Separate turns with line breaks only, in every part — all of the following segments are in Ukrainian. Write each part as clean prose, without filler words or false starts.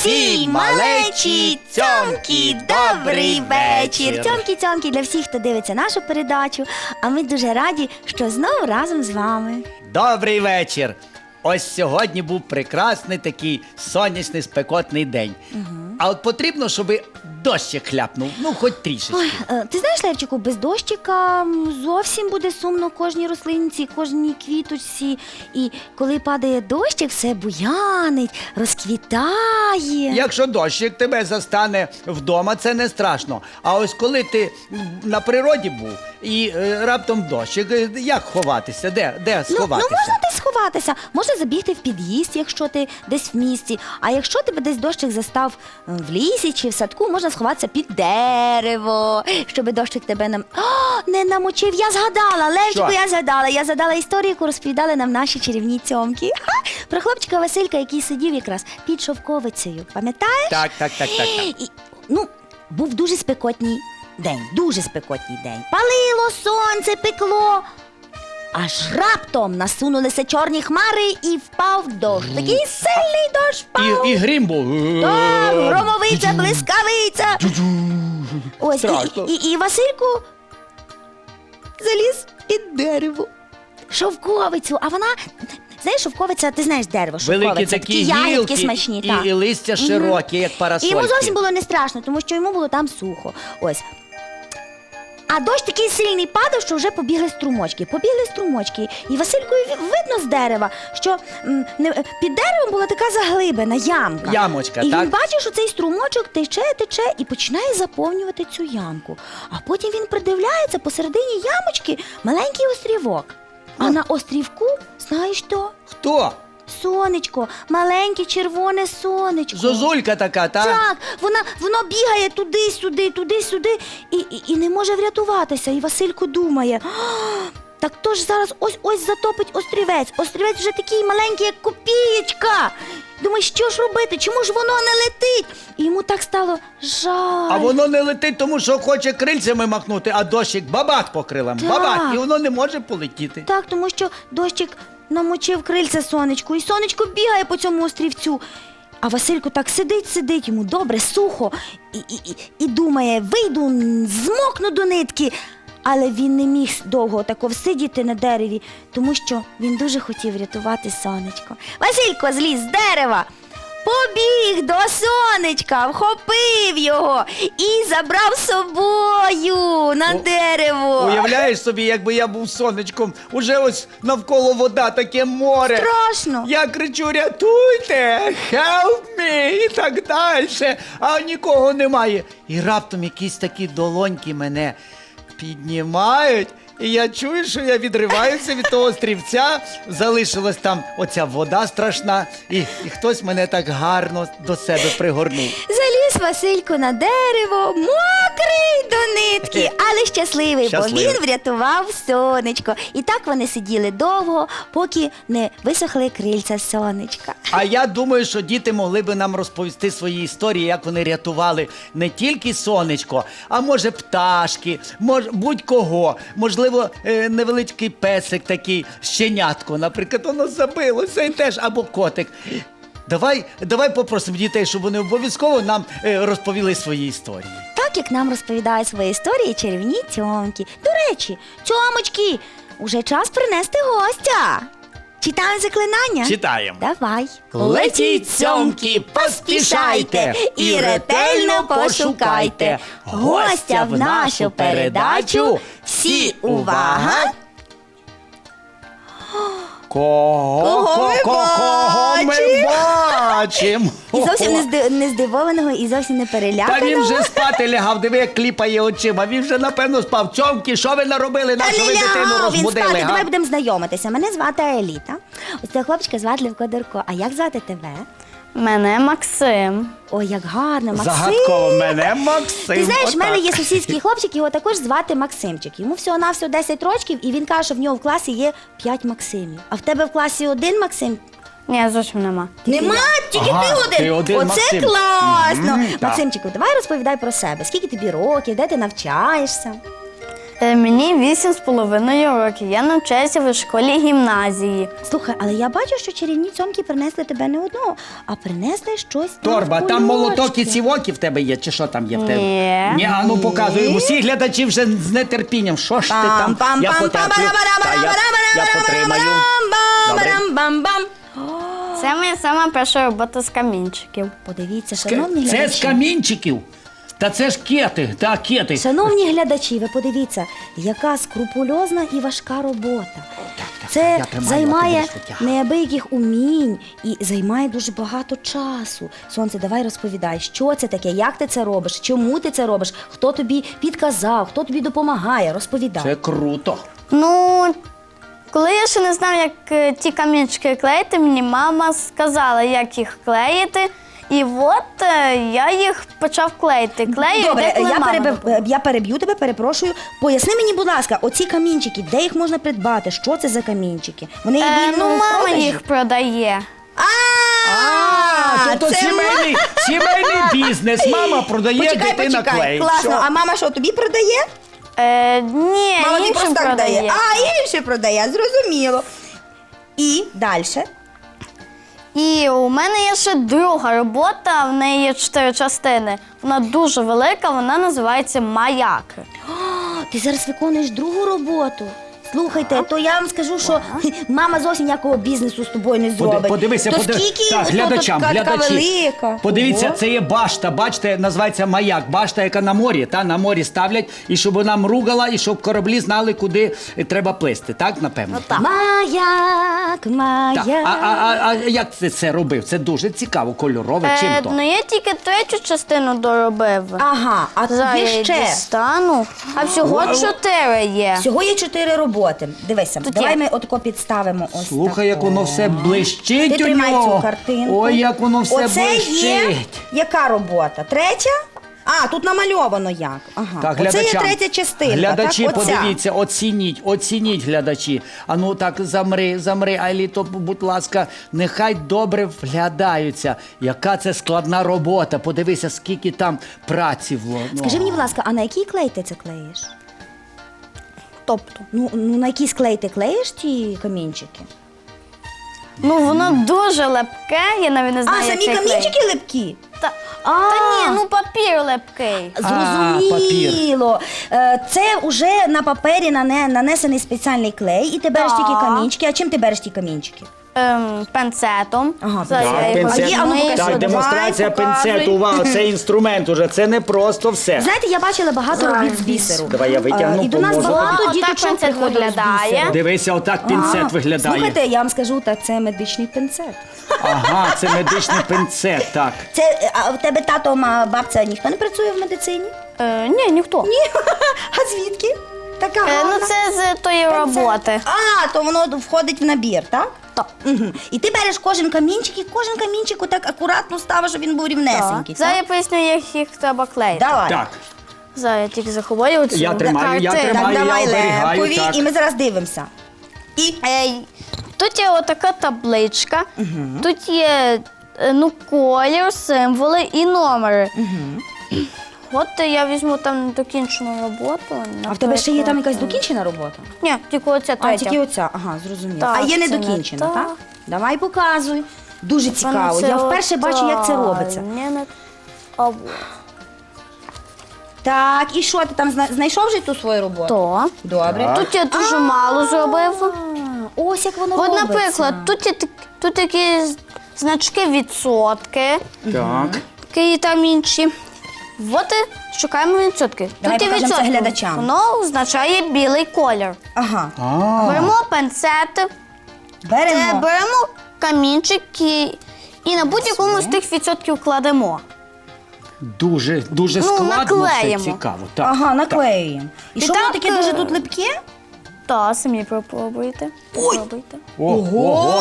Всі малечі, цьомкі, добрий вечір. Цьомкі-цьомкі для всіх, хто дивиться нашу передачу. А ми дуже раді, що знову разом з вами.
Добрий вечір! Ось сьогодні був прекрасний такий сонячний, спекотний день. А от потрібно, щоб дощик хляпнув, ну хоч трішечки.
Ой, ти знаєш, Левчику, без дощика зовсім буде сумно кожній рослинці, кожній квіточці. І коли падає дощик, все буянить, розквітає.
Якщо дощик тебе застане вдома, це не страшно. А ось коли ти на природі був і раптом дощик, як ховатися? Де сховатися?
Ну, можна десь сховатися, можна забігти в під'їзд, якщо ти десь в місті. А якщо тебе десь дощик застав в лісі чи в садку, можна сховатися під дерево, щоб дощик тебе не намочив. Я згадала, Левчику, я згадала історію, яку розповідали нам наші чарівні цьомки. Про хлопчика Василька, який сидів якраз під шовковицею. Пам'ятаєш?
Так.
І, був дуже спекотний день, Палило сонце, пекло. Аж раптом насунулися чорні хмари і впав дощ. Такий сильний дощ впав.
І грім був.
Так, громовиця, блискавиця. Ось,
Страшно.
і Василько заліз під дерево. Шовковицю, а вона... Знаєш, шовковиця, ти знаєш дерево, шовковиця.
Великі такі
ягідки
гілки
смачні.
і листя широкі, як
І
парасольки.
йому зовсім було не страшно, тому що йому було там сухо. Ось. А дощ такий сильний падав, що вже побігли струмочки. І Васильку видно з дерева, що під деревом була така заглибина, ямка.
Ямочка,
і
так?
він бачив, що цей струмочок тече і починає заповнювати цю ямку. А потім він придивляється, посередині ямочки маленький острівок. А на острівку, знаєш що?
Хто?
Сонечко, маленьке червоне сонечко.
Зозулька така, так?
Так, воно бігає туди-сюди, і не може врятуватися. І Василько думає, так то ж зараз ось затопить острівець. Острівець вже такий маленький, як копієчка. Думає, що ж робити, чому ж воно не летить? І йому так стало жаль.
А воно не летить, тому що хоче крильцями махнути, а дощик бабах по крилам,
Так.
бабах, і воно не може полетіти.
Так, тому що дощик намочив крильця сонечку, і сонечко бігає по цьому острівцю. А Василько так сидить, йому добре, сухо, і думає, вийду, змокну до нитки. Але він не міг довго тако всидіти на дереві, тому що він дуже хотів врятувати сонечко. Василько зліз з дерева, побіг до сонечка, вхопив його і забрав з собою на дерево.
Уявляєш собі, якби я був сонечком, уже ось навколо вода, таке море.
Страшно.
Я кричу, рятуйте, help me, і так далі, а нікого немає. І раптом якісь такі долоньки мене піднімають, і я чую, що я відриваюся від того острівця, залишилась там оця вода страшна, і хтось мене так гарно до себе пригорнув.
Заліз Василько на дерево, мокрий до нитки, але щасливий, бо він врятував сонечко. І так вони сиділи довго, поки не висохли крильця сонечка.
А я думаю, що діти могли би нам розповісти свої історії, як вони рятували не тільки сонечко, а може пташки, будь-кого. Можливо, невеличкий песик такий, щенятко, наприклад, воно забилося і теж, або котик. Давай попросимо дітей, щоб вони обов'язково нам розповіли свої історії.
Так, як нам розповідають свої історії чарівні цьомки. До речі, цьомочки, уже час принести гостя. Читаємо заклинання?
Читаємо.
Давай.
Летіть, цьомки, поспішайте і ретельно пошукайте гостя в нашу передачу. Всі увага! Кого ми бачимо?
І зовсім не здивованого, і зовсім не переляканого.
Та він вже спати лягав, диви, як кліпає очима. Він вже, напевно, спав. Цьомки, що ви наробили?
Та
Нашу ви
не
дитину
лягав він
розбудили,
спати,
га?
давай будемо знайомитися. Мене звати Еліта. Ось цього хлопчика звати Левко Дурко. А як звати тебе?
Мене Максим.
Ой, як гарно, Максим.
Загадково, мене Максим.
Ти знаєш, в мене
Отак.
є сусідський хлопчик, його також звати Максимчик. Йому всього-навсього 10 років, і він каже, що в нього в класі є 5 Максимів. А в тебе в класі один Максим?
Ні, зовсім нема.
Нема, тільки
Ага,
ти один.
ти один
Оце
Максим.
класно.
Так.
Максимчику, давай розповідай про себе. Скільки тобі років, де ти навчаєшся?
Мені 8,5 років. Я навчаюся в школі гімназії.
Слухай, але я бачу, що чарівні цьомки принесли тебе не одного, а принесли щось.
Торба,
на
там молоток і
кульочки.
цівоки в тебе є, чи що там є в тебе?
Ні.
А ну показуй. Усі глядачі вже з нетерпінням. Що ж ти там? Я потерплю. Я потримаю. Добре.
Бам-бам-бам-бам.
Це моя сама перша робота з камінчиків.
Подивіться, шановні
Це з
глядачі.
камінчиків? Та це ж кети, та кети.
Шановні глядачі, ви подивіться, яка скрупульозна і важка робота. Це
я тримаю, а ти
займає
будеш витягувати.
неабияких умінь і займає дуже багато часу. Сонце, давай розповідай, що це таке, як ти це робиш, чому ти це робиш, хто тобі підказав, хто тобі допомагає, розповідай.
Це круто.
Ну, коли я ще не знав, як ті камінчики клеїти, мені мама сказала, як їх клеїти. І от я їх почав клеїти. Клею,
Добре,
деколи мама
я переб'ю тебе, перепрошую. Поясни мені, будь ласка, оці камінчики, де їх можна придбати? Що це за камінчики? Вони є вільно
Ну,
в
мама
продажі?
їх продає.
Тобто
це
сімейний бізнес. Мама продає, дитина клеїть.
класно.
Що?
А мама що, тобі продає?
Ні,
Мама тобі
іншим
просто так
продає.
дає. А, інше продає, зрозуміло. І далі.
І у мене є ще друга робота, в неї є 4 частини. Вона дуже велика, вона називається «Маяк».
Ти зараз виконуєш другу роботу. Слухайте, то я вам скажу, що мама зовсім ніякого бізнесу з тобою не зробить.
Подивися,
то скільки
так, глядачам,
така
глядачі.
велика.
Подивіться,
Ого.
це є башта. Бачите, називається маяк. Башта, яка на морі. На морі ставлять, і щоб вона мругала, і щоб кораблі знали, куди треба плисти. Так, напевно?
Так.
Маяк,
Так.
маяк.
А як ти це робив? Це дуже цікаво, кольорове. Чим то?
Ну, я тільки 3 частину доробив.
Ага, а
Зараз
є
я
ще.
дістану. А всього 4 є.
Всього є 4 роботи. Дивися,
Тут
давай
є.
ми отако підставимо ось
Слухай, як
тако.
воно все блищить
Ти
у
тримай
нього.
цю картинку.
Ой, як воно все
Оце
блищить.
є яка робота? 3? А, тут намальовано як. Ага.
Так,
Оце є
глядачам.
3 частинка.
Глядачі,
так? Оця.
подивіться, оцініть глядачі. А ну так, замри, Айліто, будь ласка, нехай добре вглядаються. Яка це складна робота. Подивися, скільки там праці вло.
Скажи мені, будь ласка, а на який клей ти це клеїш?
Тобто.
Ну на який клей ти клеїш ті камінчики?
Ну, воно дуже лепке, я навіть не знаю,
А,
як
самі
це
камінчики липкі?
Та
А.
ні, ну папір лепкий.
Зрозуміло. Це вже на папері нанесений спеціальний клей, і ти береш
Так.
тільки камінчики. А чим ти береш ті камінчики?
Пенцетом.
Ага,
Зараз
так,
я його
пенцет.
візьму.
А ну, покажи.
Так,
Давай,
демонстрація
показуй.
пінцету, увага, це інструмент уже, це не просто все.
Знаєте, я бачила багато робіт з бісеру.
Давай я витягну,
І до нас
поможу
багато
тобі.
діточок
Отак пенцет
приходило з
виглядає.
бісеру.
Дивися, отак пінцет
А,
виглядає.
Слухайте, я вам скажу, так це медичний пінцет.
Ага, це медичний пінцет, так.
Це, а в тебе тато, бабця, ніхто не працює в медицині?
Ні, ніхто.
Ні. А звідки? Така
Ну,
гарна.
це з тої роботи.
А, то воно входить в набір, так?
Так.
Угу. І ти береш кожен камінчик, і кожен камінчик отак акуратно ставиш, щоб він був рівнесенький.
Зараз
так?
я поясню, як їх треба клеїти.
Давай.
Так.
Зараз я тільки заховаю оцю
Я тримаю, я
картину.
тримаю.
Так, давай
я оберігаю,
лепові,
так.
і ми зараз дивимося. І
Тут є отака табличка, тут є колір, символи і номери. От я візьму там недокінчену роботу.
а в тебе ще є там якась
наприклад.
докінчена робота?
Ні, тільки оця
А,
третя.
тільки оця. Ага, зрозуміло.
Так,
А є
це не
недокінчена,
так.
так? Давай показуй. Дуже цікаво. Я вперше бачу, як це робиться.
А от.
Так, і що ти там знайшов вже ту свою роботу?
То.
Добре.
Тут я дуже мало зробив.
А, ось як воно
От,
робиться.
наприклад, тут такі значки відсотки,
Так.
і там інші. От і шукаємо відсотки.
Давай
тут є
покажемо це
відсотки.
глядачам.
Воно означає білий колір.
Ага.
Беремо пенцет, беремо камінчик і на будь-якому з тих відсотків кладемо.
Дуже складно, все
наклеїмо.
цікаво. Так.
Ага, наклеюємо. І
І
що воно
так,
таке дуже тут липке?
Та, самі попробуйте. Попробуйте.
Ого.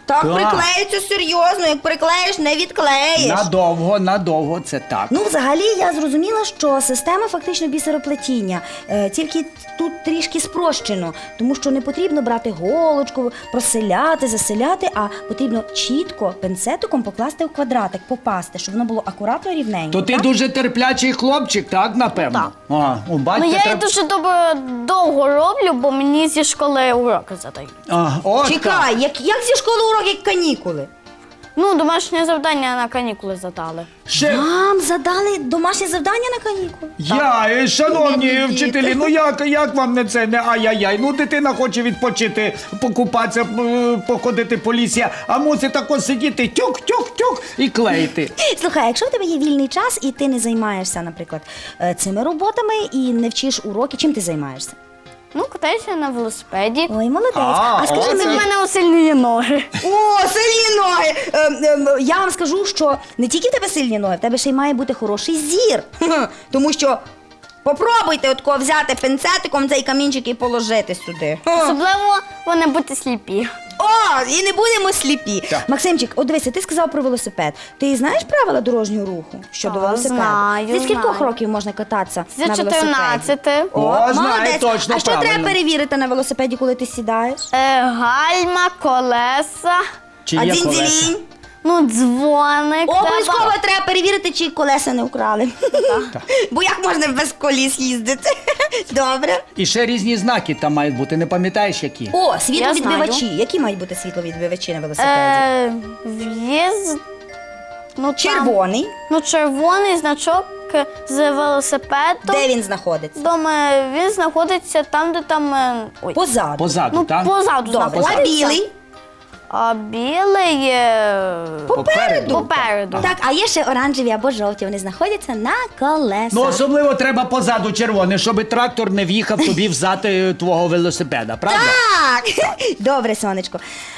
Так
Так.
приклеюється серйозно, як приклеїш, не відклеїш.
Надовго, це так.
Ну, взагалі, я зрозуміла, що система фактично бісероплетіння, тільки тут трішки спрощено, тому що не потрібно брати голочку, проселяти, заселяти, а потрібно чітко пинцетиком покласти в квадратик, попасти, щоб воно було акуратно рівненько.
То ти
так?
дуже терплячий хлопчик, так, напевно?
Так.
А, у батька
Ну, я її
треба...
дуже довго роблю, бо мені зі школи уроки задають.
От так.
Чекай, як зі школи уроки, як канікули?
Ну, домашнє завдання на канікули задали.
Ще...
Вам задали домашнє завдання на канікули?
Шановні
Бідні
вчителі,
діти.
ну як вам не це, не ай-яй-яй? Ну дитина хоче відпочити, покупатися, походити по лісі, а мусить тако сидіти тюк-тюк-тюк і клеїти.
Слухай, якщо в тебе є вільний час і ти не займаєшся, наприклад, цими роботами і не вчиш уроки, чим ти займаєшся?
Ну, катаюся на велосипеді.
Ой, молодець.
А,
скажи
оце-
У
мені,
мене усильнює ноги.
о, сильні ноги! Я вам скажу, що не тільки в тебе сильні ноги, в тебе ще й має бути хороший зір. Тому що попробуйте отко взяти пинцетиком цей камінчик і положити сюди.
Особливо вони бути сліпі.
О, і не будемо сліпі.
Так.
Максимчик, от дивися, ти сказав про велосипед. Ти знаєш правила дорожнього руху щодо
Так,
велосипеду?
знаю,
Зі скількох
знаю.
років можна кататися
З
на велосипеді?
14.
О, знаю,
молодець.
точно,
А що
правильно.
треба перевірити на велосипеді, коли ти сідаєш?
Гальма, колеса,
Чи
А
є
дзінь-дзінь?
колеса?
ну, дзвоник.
Обов'язково треба перевірити, чи колеса не вкрали. Бо як можна без коліс їздити? Добре.
І ще різні знаки там мають бути, не пам'ятаєш які?
О, світловідбивачі.
знаю.
Які мають бути світловідбивачі на велосипеді?
В'їзд. Ну, там-
Червоний.
Ну, червоний значок з велосипедом.
Де він знаходиться?
Думаю, він знаходиться там, де там. Ой.
Позаду.
Позаду,
Ну,
так?
позаду
Добре.
знаходиться.
А білий?
А білий
Попереду.
попереду.
Так, а є ще оранжеві або жовті. Вони знаходяться на колесах.
Ну, особливо треба позаду червоне, щоб трактор не в'їхав тобі взад твого велосипеда, правда?
Так! Добре, сонечко.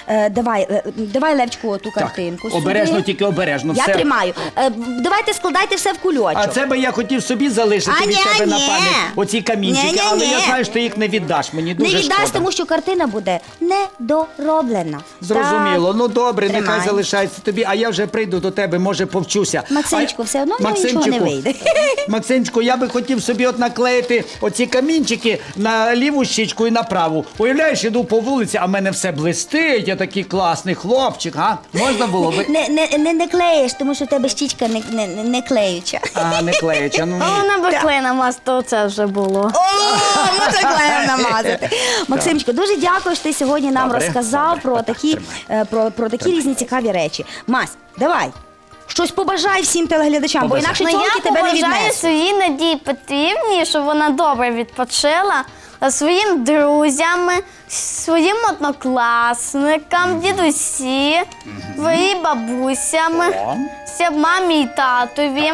Давай, Левчику, ту картинку. сюди.
Обережно, тільки обережно.
Я
все.
тримаю. Давайте складайте все в кульочок.
А це би я хотів собі залишити
А,
від
ні,
тебе на
ні.
пам'ять оці камінчики,
Ні, ні,
але я
ні.
знаю, що ти їх не віддаш. Мені
Не
дуже
віддаш,
шкода.
тому що картина буде недороблена.
Зрозуміло.
Так.
Ну добре,
Тримай.
нехай залишається тобі, а я вже прийду до тебе, може повчуся.
Максимчику, все одно в нього нічого не
Максимчику,
вийде.
Максимчику, я би хотів собі от наклеїти оці камінчики на ліву щічку і на праву. Уявляєш, іду по вулиці, а в мене все блистить, я такий класний хлопчик, а? Можна було би?
Не клеїш, тому що в тебе щічка не клеюча.
А, не клеюча. Ну,
А вона би клей намазала, то це вже було.
О, можна клеєм намазати. Максимчику, дуже дякую, що ти сьогодні нам
Добре,
розказав
добре.
про такі, про такі різні цікаві речі. Мась, давай. Щось побажай всім телеглядачам, бо
Побажай.
інакше
Ну,
цьомки
я
тебе не
побажаю
віднесуть.
своїй Надії Петрівні, щоб вона добре відпочила, своїм друзям, своїм однокласникам, дідусі, своїм бабусям,
О.
всім мамі і татові.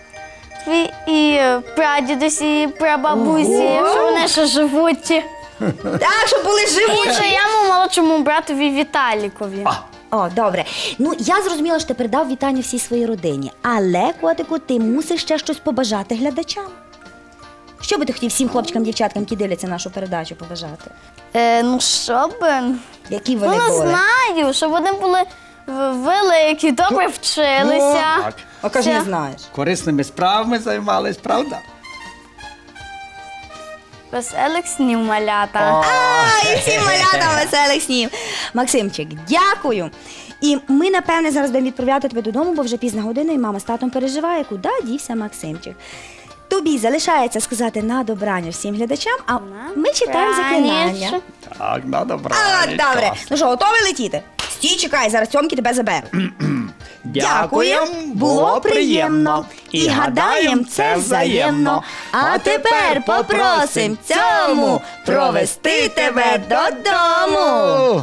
І прадідусі, і прабабусі,
Ого.
що вони ще живуть.
Так, щоб були
І
живучі.
своєму молодшому братові Віталікові.
О, добре. Ну, я зрозуміла, що ти передав вітання всій своїй родині. Але, котику, ти мусиш ще щось побажати глядачам. Що би ти хотів всім хлопчикам, дівчаткам, які дивляться нашу передачу, побажати?
Ну, що би?
Які
Ну,
вони
не
були?
знаю, щоб вони були великі, добре вчилися.
так.
А кажи, не
Все.
знаєш.
Корисними справами займались, правда?
Веселих снів, малята.
І всім малятам веселих снів. Максимчик, дякую. І ми, напевне, зараз будемо відправляти тебе додому, бо вже пізна година, і мама з татом переживає, куди дівся Максимчик. Тобі залишається сказати на добраніч всім глядачам, а ми читаємо заклинання.
Так, на добра.
А, добре. Ну що, готовий летіти? Стій, чекай, зараз Тьомки тебе забере.
Дякуємо, було приємно. І гадаєм, це взаємно.
А тепер попросим цьому провести тебе додому.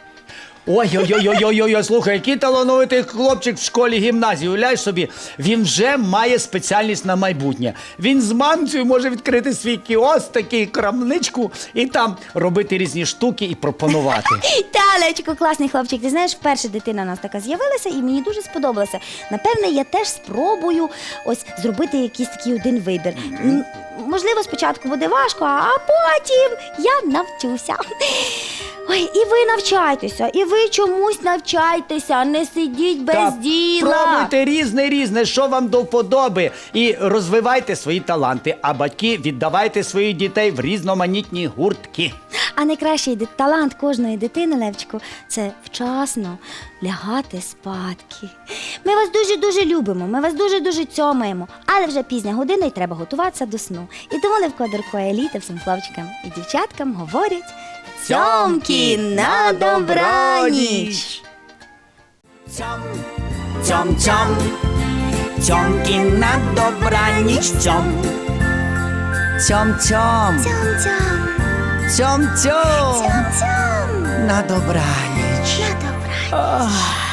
Ой, слухай, який талановитий хлопчик в школі гімназії. Уявляєш собі, він вже має спеціальність на майбутнє. Він з мамцею може відкрити свій кіоск, такий крамничку, і там робити різні штуки і пропонувати.
Та, Левчику, класний хлопчик. Ти знаєш, вперше дитина у нас така з'явилася, і мені дуже сподобалося. Напевне, я теж спробую ось зробити якийсь такий один вибір. Можливо, спочатку буде важко, а потім я навчуся. Ой, і ви навчайтеся, і ви чомусь навчайтеся, не сидіть без
Та
діла.
пробуйте різне, що вам до вподоби. І розвивайте свої таланти, а батьки віддавайте своїх дітей в різноманітні гуртки.
А найкращий талант кожної дитини, Левчику, це вчасно лягати спадки. Ми вас дуже-дуже любимо, ми вас дуже-дуже цьомаємо, але вже пізня година і треба готуватися до сну. І тому Левко, Дарко і Еліта всім хлопчикам і дівчаткам говорять цьомки на добраніч!
Цьом, цьом, цьом, цьомки на добраніч, цьом. Цьом, цьом,
Цьом-цьом,
цьом, цьом,
цьом-цьом,
на добраніч.
на добраніч.